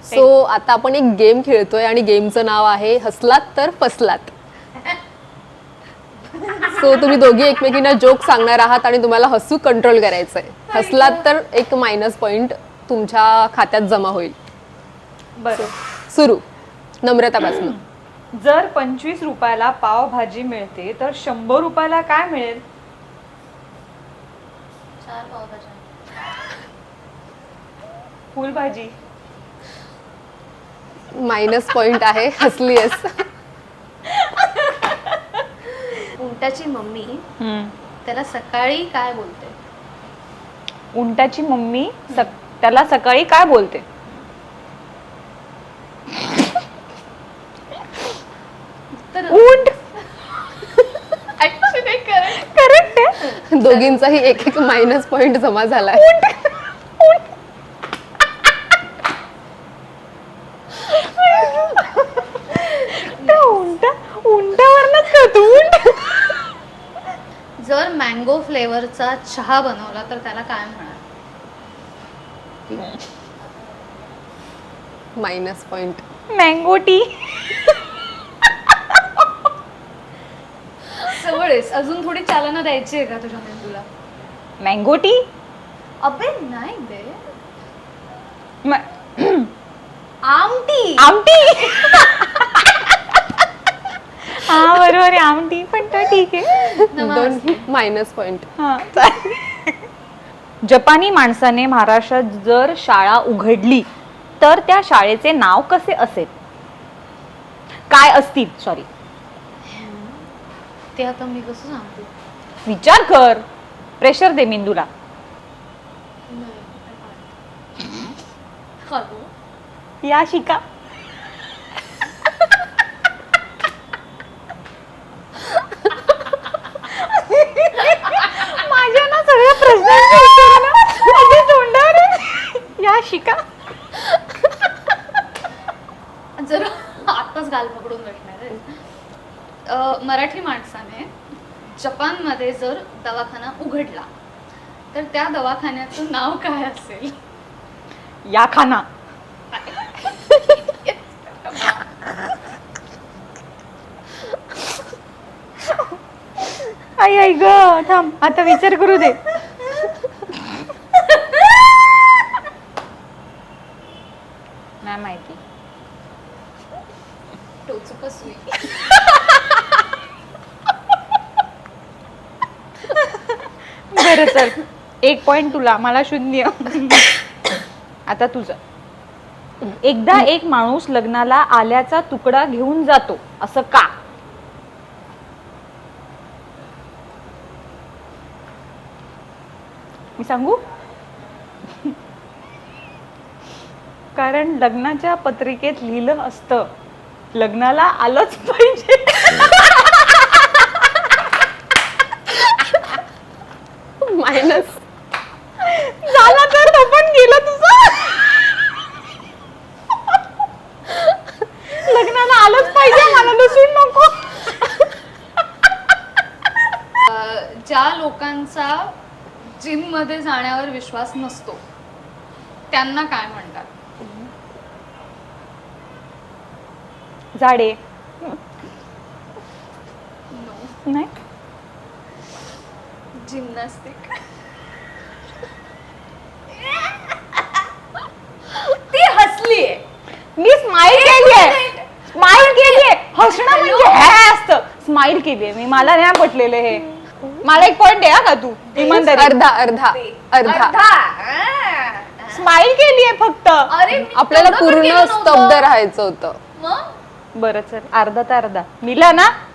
So आता आपण एक गेम खेळतोय आणि गेमचं नाव आहे हसलात तर फसलात. सो तुम्ही दोघी एकमेकींना जोक सांगणार आहात आणि तुम्हाला हसू कंट्रोल करायचंय. हसलात तर एक मायनस पॉइंट तुमच्या खात्यात जमा होईल. बरं. सुरू. नम्रतापासून. जर 25 रुपयाला पावभाजी मिळते तर 100 रुपयाला काय मिळेल? 4 पावभाज्या. फुलभाजी. मायनस पॉइंट आहे. हसलीयस. उंटाची मम्मी त्याला सकाळी काय बोलते? उंटाची मम्मी त्याला सकाळी काय बोलते? उंट. ऍक्च्युली करेक्ट आहे. दोघींचाही एक एक मायनस पॉइंट जमा झालाय. उंटावरनच करतो. उंट. जर मँगो फ्लेवरचा चहा बनवला तर त्याला काय म्हणाल? Minus point. Mango tea. जवळच. अजून थोडी चालना द्यायची आहे का तुझ्या मेंदूला? Mango tea. अबे नाही बे. आमटी. आमटी. हा बरोबर आहे. आमटी पण तर ठीक आहे. दोन मायनस पॉइंट. हा. जपानी माणसाने महाराष्ट्रात जर शाळा उघडली तर त्या शाळेचे नाव कसे असेल? काय असतील? सॉरी, ते आता मी कसं सांगते? विचार कर. प्रेशर दे मेंदूला. हॅलो. या शिका. माझ्या ना सगळ्या प्रश्नांची उत्तरं ना माझ्या तोंडावर आहेत. या शिका. जर आताच गाल पकडून बसणार आहे. मराठी माणसाने जपानमध्ये जर दवाखाना उघडला तर त्या दवाखान्याचं नाव काय असेल? या खाना. आई आई ग. थांब आता विचार करू दे. नाही माहिती. टोचुका सुई. बरं चल. 1 पॉइंट तुला, मला 0. आता तुझं. एकदा एक माणूस लग्नाला आल्याचा तुकडा घेऊन जातो असं का? मी सांगू? कारण लग्नाच्या पत्रिकेत लिहिलं असतं लग्नाला आलंच पाहिजे. मायनस झाला तर तो पण गेलं तुझं. लग्नाला आलंच पाहिजे, मला लसूण नको. ज्या लोकांचा जिम मध्ये जाण्यावर विश्वास नसतो त्यांना काय म्हणतात? झाडे. नो. नाही. जिम्नॅस्टिक. ती हसलीये. मी स्माइल केलीये. स्माइल केलीये. हसणं म्हणजे हे असतं. स्माइल केलीये मी. मला नाही पटलेलं हे. मला 1 पॉइंट द्या का तू? इमानदारी. अर्धा अर्धा अर्धा. स्माइल केलीये फक्त. अरे आपल्याला पूर्ण स्तब्ध राहायचं होतं. मग बरं चल. अर्धा तर अर्धा. मिला ना.